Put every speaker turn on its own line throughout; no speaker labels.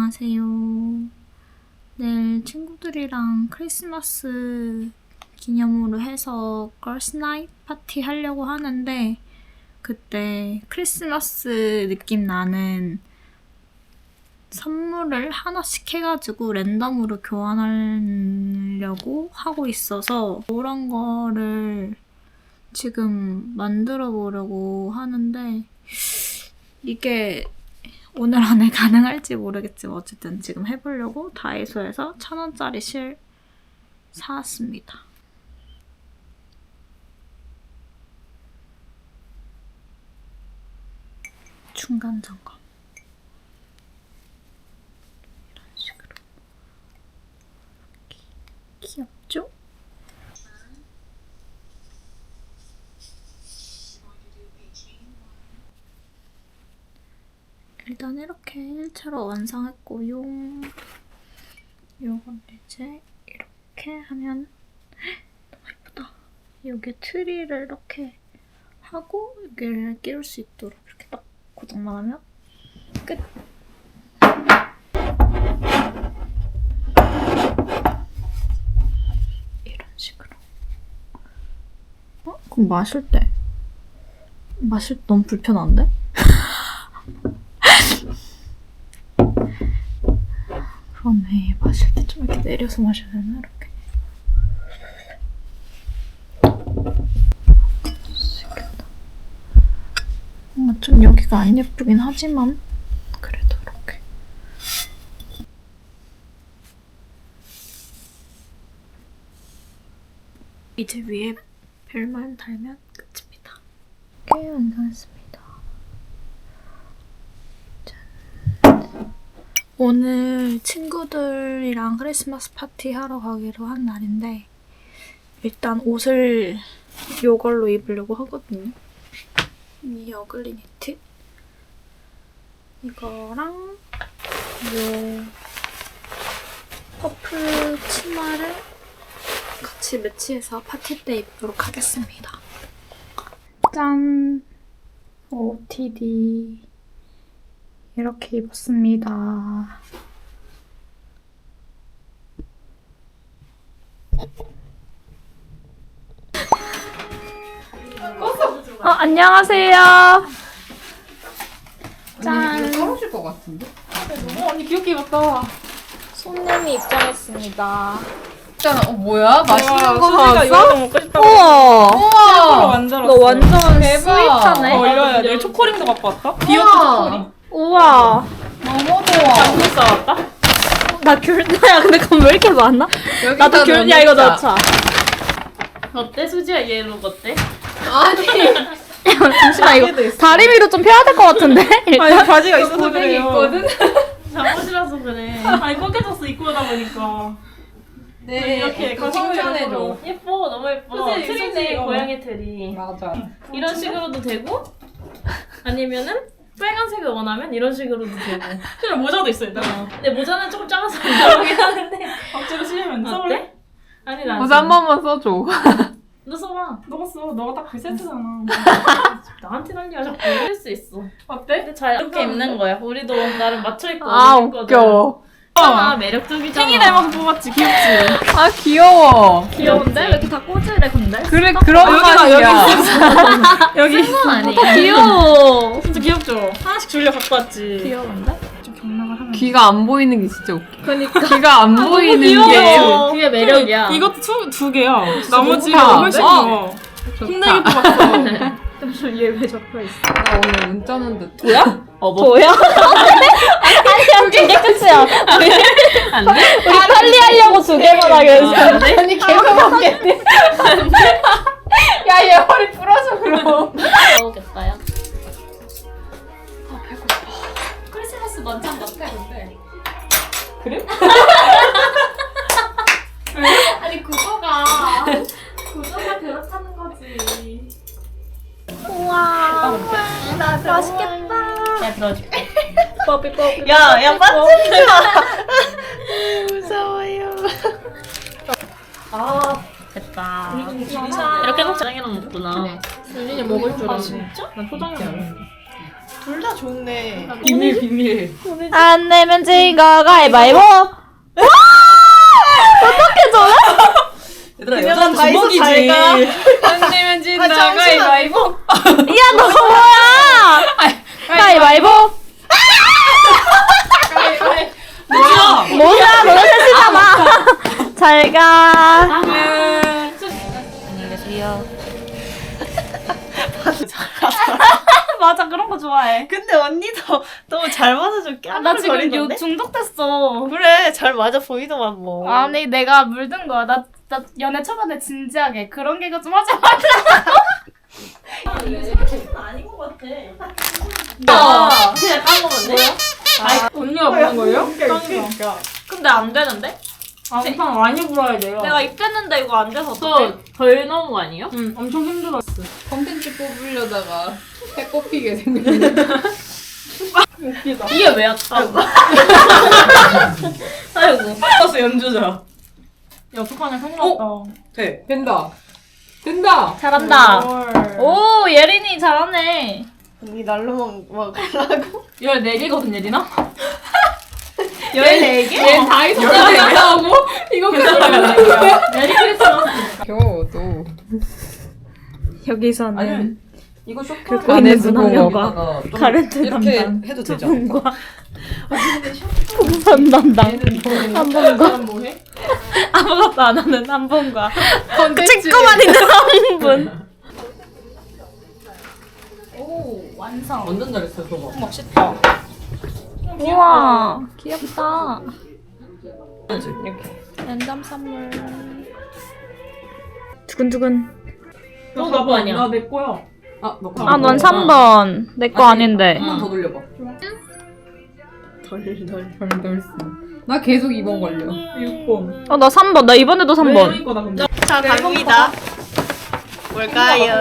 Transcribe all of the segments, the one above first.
안녕하세요. 내일 친구들이랑 크리스마스 기념으로 해서 걸스 나잇 파티 하려고 하는데 그때 크리스마스 느낌 나는 선물을 하나씩 해가지고 랜덤으로 교환하려고 하고 있어서 그런 거를 지금 만들어 보려고 하는데 이게 오늘 안에 가능할지 모르겠지만 어쨌든 지금 해보려고 다이소에서 1,000원짜리 실 사왔습니다. 중간 점검. 이런 식으로. 귀엽죠? 일단 이렇게 일체로 완성했고요. 요건 이제 이렇게 하면 너무 예쁘다. 여기에 트리를 이렇게 하고 여기를 끼울 수 있도록 이렇게 딱 고정만 하면 끝! 이런 식으로. 그럼 마실 때 너무 불편한데? 그러네. 마실 때 좀 이렇게 내려서 마셔야 되나? 이렇게. 좀 여기가 안 예쁘긴 하지만 그래도 이렇게. 이제 위에 벨만 달면 끝입니다. 이렇게 완성했습니다. 짠. 오늘 친구들이랑 크리스마스 파티 하러 가기로 한 날인데 일단 옷을 이걸로 입으려고 하거든요. 이 어글리 니트 이거랑 이 퍼플 치마를 같이 매치해서 파티 때 입도록 하겠습니다. 짠! OOTD 이렇게 입었습니다. 안녕하세요. 짠.
떨어질 것 같은데?
언니 귀엽게 입었다.
손님이 입장했습니다.
일단 뭐야? 맛있는 거
수지가 이거
사왔어?
먹고 싶다고.
우와.
로
우와!
만들었어.
너 완전
대박.
스윗하네.
올려야 돼. 초코링도 갖고 왔다. 비어트 초코링.
우와.
너무 좋아.
당근 싸왔다.
나 귤다야. 근데 그럼 왜 이렇게 많아?
여기다
나도 귤야 이거 넣자.
어때 수지야 얘로 어때?
아니.
잠시만 이거 다리 위로 좀 펴야 될 것 같은데?
아니 바지가 있어서
고데기
그래요.
있거든?
잠옷이라서 그래. 아니 꺾여졌어 입고 오다 보니까.
네.
이렇게
그거 칭찬해줘.
예뻐 너무 예뻐.
그치,
트리네
그치.
고양이 트리.
맞아.
이런 식으로도 되고 아니면은 빨간색을 원하면 이런 식으로도 되고. 그냥 모자도 있어 일단. 근데 모자는 조금 작아서 안 들어가긴 하는데. 억지로 쓰려면 써볼래? 아니 나.
모자 한 번만 써줘.
너 써봐. 너가 써. 너가 딱 그 세트잖아. 나한테 난리야 자꾸. 쓸 수 있어. 어때? 근데 잘 이렇게 입는 거야. 우리도 나름 맞춰 입고
웃겨.
매력적이잖아. 탱이 닮아서 뽑았지. 귀엽지?
아, 귀여워.
귀여운데? 왜 이렇게 다 꽂으래 근데?
그래, 그런 맛이야.
여기
그건 아니야. 귀여워.
진짜 귀엽죠? 하나씩 줄려 갖고 왔지.
귀여운데?
좀 경락을 하면.
귀가 안 보이는 게 진짜 웃겨.
그니까.
귀가 안 보이는 게.
귀여워.
그게 매력이야.
이것도 두 개야.
나머지가
나머지가 훨씬
어.
더. 힘들게 뽑았어.
얘왜 적혀있어?
나 오늘 문자는 듯.
뭐야?
뭐야? 아니야 그게 끝이야.
안 돼?
우리 탈리하려고 두 개만 하기로 했어.
아니, 계속 먹겠네. 야, 얘 허리 부러져, 그럼.
먹겠다 야.
크리스마스 만찬 같아 근데. 그래?
아니 구조가 그렇다는 거지. 우와 맛있겠다.
야 들어줄게.
뽀삐뽀삐.
야 빠지지 마.
무서워요.
아 됐다. 이렇게 해서 짜장이랑 먹구나.
윤진이 먹을 줄
아
알았네.
진짜? 난 초장이랑 먹는데.
둘 다 좋네.
비밀 비밀.
안 내면 진 거 가위바위보.
얘들아
그녀가
여자는
다 있어,
주먹이지.
잘 가.
안 되면 진다
잠시만.
가위바위보.
야, 너 뭐야? 가위바위보. 뭐야, 너네 셋이잖아. 잘 가. 안녕히 계세요. 맞아, 그런 거 좋아해.
근데 언니도 너무 잘 맞아줘.
나 지금
거리던데?
중독됐어.
그래 잘 맞아 보이더만 뭐.
아니, 내가 물든 거야. 나 연애 초반에 진지하게 그런 개그 좀 하지 말라고.
아닌 것 같아. 그냥 깐 거면 돼?
언니가 부른 거예요?
근데 안 되는데?
엄청 많이 불어야 돼요.
내가 입겠는데 이거 안 돼서 어떡해?
덜 넣은 거 아니에요?
응, 엄청 힘들었어. 컨텐츠 뽑으려다가 해 꼽히게 생겼네. 웃기다.
이게 왜 왔다고? 아이고.
버스 연주자.
야, 어떡하냐, 큰일 났다.
돼.
된다. 된다.
잘한다.
헐.
오, 예린이 잘하네.
언니 날로 먹으라고?
14개거든, 예린아?
14개?
얘다 있었다고 이거 그냥
메리 크리스마스.
겨도
여기서는
아니 이거 쇼파
긁고 있는 분 한 명과
여기다가 좀
가렌트
이렇게
담당
해도 되죠?
분과 풍선 담당 한 분과
뭐해?
아무것도 안 하는 한 분과
컨텐츠
찍고만 있는 한 분. 오, 완성.
완전 잘했어 저거.
멋있다. 우와, 귀엽다.
이렇게.
랜덤 선물. 두근두근.
너 나도 아니야.
나내 거야.
아, 너
아, 넌 3번. 내 거 아닌데.
한 번 더 돌려봐.
덜덜.
나 계속 2번 걸려.
6번.
나 3번. 나 이번에도 3번.
거다, 근데.
자 갑니다. 뭘까요?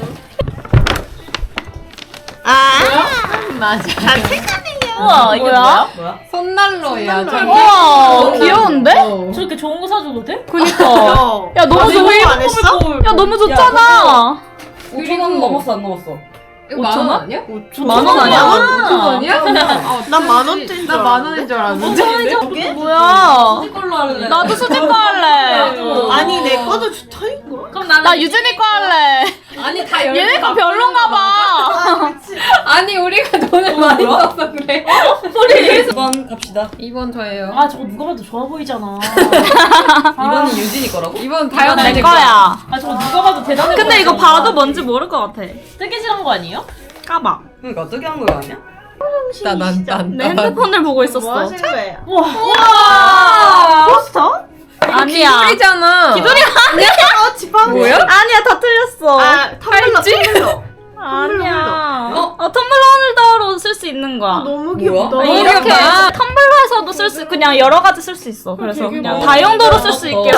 아 맞아.
우와, 이게 뭐야?
뭐야?
손난로야.
우와, 귀여운데?
저렇게 좋은 거 사줘도 돼?
그니까.
야,
야, 너무 좋아.
이거 안 했어?
야, 너무 좋잖아.
5,000원 넘었어 안 넘었어?
이거 만원 아니야?
10,000원 아니야?
아니야?
난 만원대인 줄
나 만원인 줄 알았는데.
뭐야?
걸로 할래.
나도 수지 거 할래.
아니 내 거도 좋다니까.
그럼 나는
나 유진이 거 할래.
아니 다
얘네 거 별론가 봐.
아니 우리가 돈을 많이 써서 그래.
2번 갑시다.
2번 저예요.
아 저거 누가 봐도 좋아 보이잖아.
2번이 유진이 거라고?
2번
내
다현이
거야.
아 저거 누가 봐도 대단해.
근데 이거
보이잖아.
봐도 뭔지 모를 것 같아.
뜨개질한 거 아니에요?
까봐.
그러니까 어떻게 한 거야 아니야?
내 핸드폰을 보고
뭐
있었어.
하신 거예요?
우와. 포스터? 아니야.
기술이잖아.
기돌이 아니야.
지방
뭐야?
아니야, 다 틀렸어.
아 텀블러.
아니야. 텀블러 홀더로 쓸 수 있는 거야.
너무 귀엽다.
뭐야?
이렇게
귀엽다.
텀블러에서도 쓸 수, 그냥 여러 가지 쓸 수 있어. 그래서 그냥 다용도로 쓸 수 있게.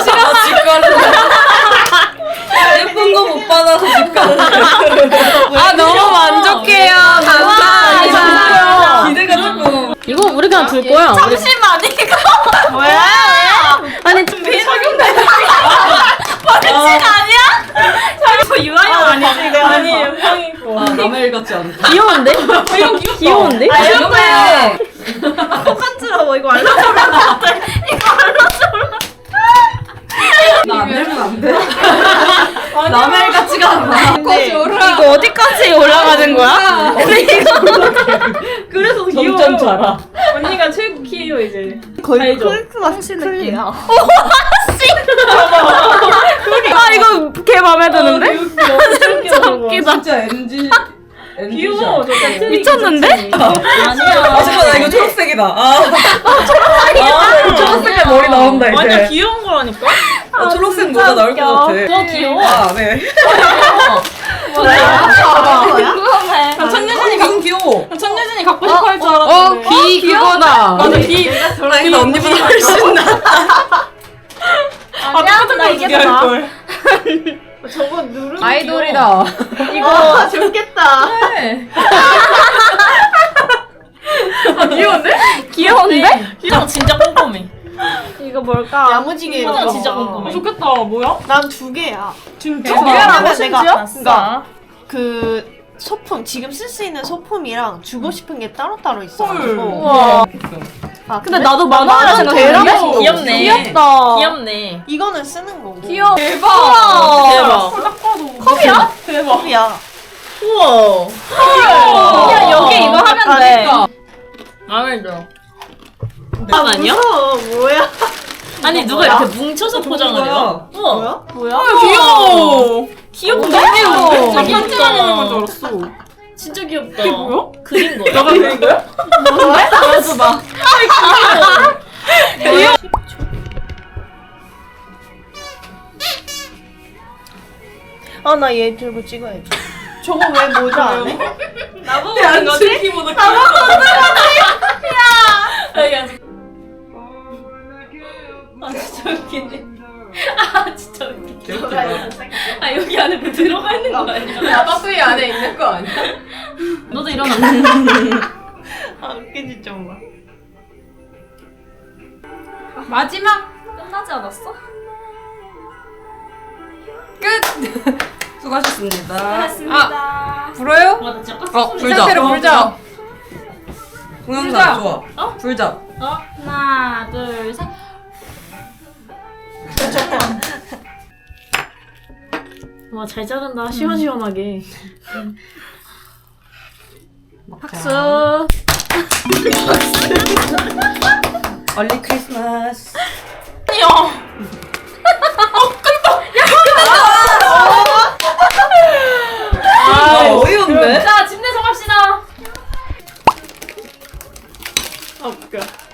예쁜 거 못 받아서 집 가는
아 너무 만족해요. 감사합니다.
기대가 조금.
이거 우리 그냥 둘 거야.
잠시만, 이거.
뭐야?
아니, 좀 비석인데. 버릇이 아니야? 이거 유아용 아니지?
아니
형이 거.
아 남의 일 같지 않다.
귀여운데? 귀여운데?
아 이거야.
똑같으라고 이거 알려주면 안 돼.
나안 되면 안 돼. 남의 일 같지가 않아.
근데
이거 어디까지 올라가는 거야? 근데 이거
그래서
점점 자라.
언니가 최고 키예요 이제.
거의
알죠?
크리스마스 클리야.
아, 이거 걔 맘에 드는데? 진짜 웃기다.
진짜 NG.
귀여워 저거.
미쳤는데?
아 잠깐 나 이거 초록색이다. 아 초록색에 머리 나온다 이제.
완전 귀여운 거라니까.
초록색 모자 나올 것 같아.
저 귀여워.
아 네.
궁금해.
천유진이
이건 귀여워.
천유진이 갖고 싶어 할 줄 알았는데.
귀 그거다.
맞아 귀.
나 이거 언니보다 훨씬 나.
아니야, 나 이게 더 나아.
저거 누르면
아이돌이다.
이거 좋겠다.
귀여운데?
귀여운데?
희정 진짜 꼼꼼해.
이거 뭘까?
야무지게
희정
이거
진짜
봐.
꼼꼼해. 좋겠다. 뭐야?
난 2개야.
진짜?
왜냐면
아,
내가 그러니까 그 소품 지금 쓸 수 있는 소품이랑 주고 싶은 게 따로따로 있어가지고.
우와.
아,
근데 나도 만화라
만화는
생각했는데.
대라고.
귀엽네.
귀엽다.
귀엽네.
이거는 쓰는 거고.
귀여워.
대박.
컵이야?
컵이야.
우와.
그냥 여기 이거 하면 돼.
마음에 들어. 밥 아니야?
무서워. 뭐야?
아니 누가 이렇게 뭉쳐서 포장을 해요? 우와.
뭐야?
귀여워. 귀엽다.
귀여워.
진짜 귀엽다.
줄 알았어.
진짜 귀엽다. 이게 뭐야? 그린 거야.
너가 그린 거야?
보여줘봐.
아, 나 얘 들고 찍어야지. 저거 왜 모자 안 해?
나보고 그린 거지? 키보드 여기 앉아. 아 진짜 웃기네. 아 진짜 웃기네. 아 여기 안에 뭐 들어가 있는 거 아니야?
야바구이 안에 있는 거 아니야?
너도 일어나.
아, 웃기지 좀 봐.
마지막 끝나지 않았어? 끝.
수고하셨습니다.
아 불어요?
와나 진짜 가스 소리.
불자.
상태로 불자.
동영상 좋아.
어?
불자.
어? 하나 둘 셋. 와 잘 자른다. 시원시원하게. 박수.
얼리 크리스마스.
아,
어이없네.
자, 집 내서 갑시다.
아, 웃겨.